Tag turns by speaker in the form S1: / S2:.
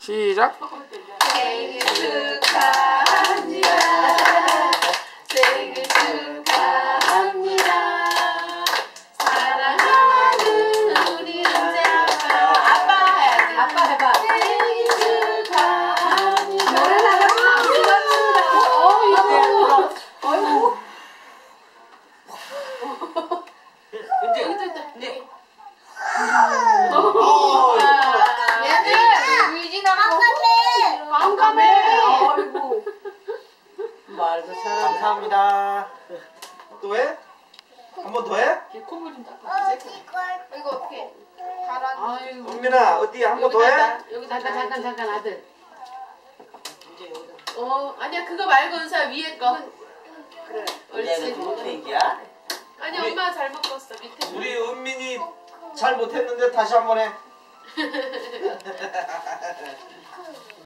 S1: 시작.
S2: 생일 축하합니다. 생일 축하합니다. 사랑하는 우리 은재 아빠. 아빠 해야지. 아빠 해봐. 생일 축하합니다. 노래 나가면 안 불렀습니다. 어이구.
S3: 은재.
S2: 네.
S4: 얘들 유진하고 깜깜해.
S2: 어이구. 말도 잘하네.
S3: 감사합니다. 또 해? 한 번 더 해?
S2: 콧물 좀 닦아.
S4: 이거 어떻게 가라앉?
S2: 아이고.
S3: 은민아 어디 한 번 더 해?
S2: 여기 잠깐 아들.
S3: 이제 여기다.
S2: 아니야 그거 말고 은사 위에 거.
S4: 그래.
S2: 옳지.
S3: 케이크야?
S2: 아니
S3: 우리-
S2: 엄마 잘못 봤어 밑에.
S3: 우리 은민이 잘 못했는데 다시 한 번 해.